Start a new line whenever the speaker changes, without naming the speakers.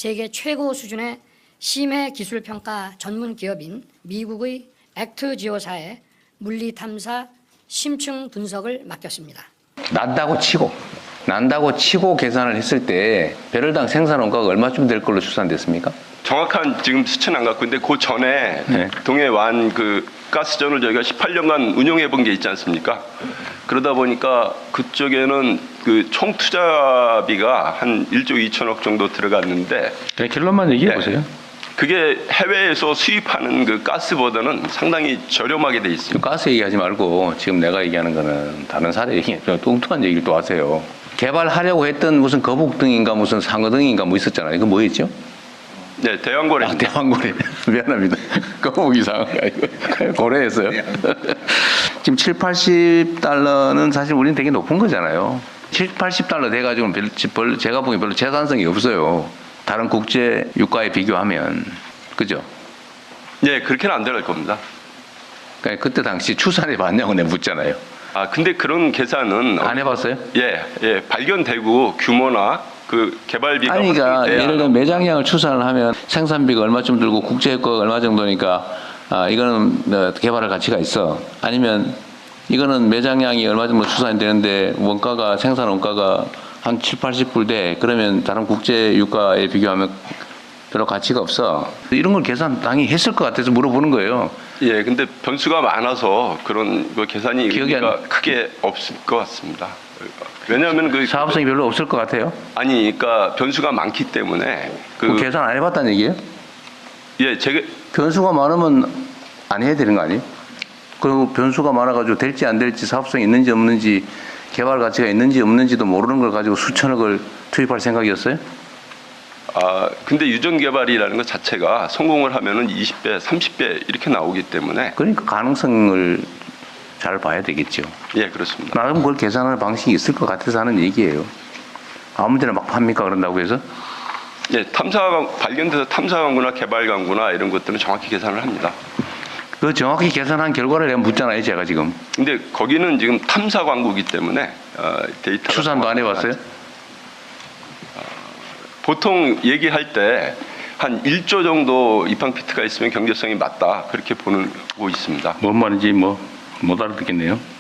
세계 최고 수준의 심해 기술 평가 전문 기업인 미국의 액트지오사의 물리 탐사 심층 분석을 맡겼습니다.
난다고 치고 계산을 했을 때 배럴당 생산 원가가 얼마쯤 될 걸로 추산됐습니까?
정확한 지금 수치는 안 갖고 있는데 그 전에
네.
동해완 그 가스전을 저희가 18년간 운영해 본 게 있지 않습니까? 그러다 보니까 그쪽에는 그 총 투자비가 한 1조 2천억 정도 들어갔는데
그냥 결론만 얘기해 보세요.
네. 그게 해외에서 수입하는 그 가스보다는 상당히 저렴하게 돼 있습니다.
가스 얘기하지 말고 지금 내가 얘기하는 거는 다른 사례 얘기, 뚱뚱한 얘기를 또 하세요. 개발하려고 했던 무슨 거북등인가 무슨 상어등인가 뭐 있었잖아요. 이거 뭐였죠?
네, 대왕고래.
아, 대왕고래. 미안합니다. 거북이 상어가 아니고 고래였어요. 지금 7, 80달러는 사실 우리는 되게 높은 거잖아요. 7, 80달러 돼가지고는 제가 보기엔 별로 재산성이 없어요. 다른 국제 유가에 비교하면. 그죠?
네, 그렇게는 안 들어갈 겁니다.
그러니까 그때 당시 추산해 봤냐고 내가 묻잖아요.
아, 근데 그런 계산은
안 해봤어요?
예, 발견되고 규모나 그 개발비가
아니, 그러니까
확정돼야
예를 들어 매장량을 추산을 하면 생산비가 얼마쯤 들고 국제효과가 얼마 정도니까 이거는 개발할 가치가 있어. 아니면 이거는 매장량이 얼마 정도 추산이 되는데 원가가 생산 원가가 한 7, 80불 돼. 그러면 다른 국제 유가에 비교하면 별로 가치가 없어. 이런 걸 계산 당연히 했을 것 같아서 물어보는 거예요.
예, 근데 변수가 많아서 그런 그 계산이
기억이
의미가 크게 없을 것 같습니다. 왜냐하면 그
사업성이 별로 없을 것 같아요.
아니, 그러니까 변수가 많기 때문에
그 계산 안 해봤다는 얘기예요?
예, 제가
변수가 많으면 안 해야 되는 거 아니에요? 그리고 변수가 많아가지고 될지 안 될지 사업성이 있는지 없는지 개발 가치가 있는지 없는지도 모르는 걸 가지고 수천억을 투입할 생각이었어요?
근데 유전 개발이라는 것 자체가 성공을 하면은 20배, 30배 이렇게 나오기 때문에
그러니까 가능성을 잘 봐야 되겠죠.
예, 그렇습니다.
나름 그걸 계산하는 방식이 있을 것 같아서 하는 얘기예요. 아무데나 막 팝니까 그런다고 해서?
예, 발견돼서 탐사 광구나 개발 광구나 이런 것들은 정확히 계산을 합니다.
그 정확히 계산한 결과를 내가 묻잖아요, 제가 지금.
근데 거기는 지금 탐사 광구이기 때문에 데이터가
추산도 안 해봤어요?
보통 얘기할 때 한 1조 정도 입항피트가 있으면 경제성이 맞다 그렇게 보고 있습니다.
뭔 말인지 못 알아듣겠네요.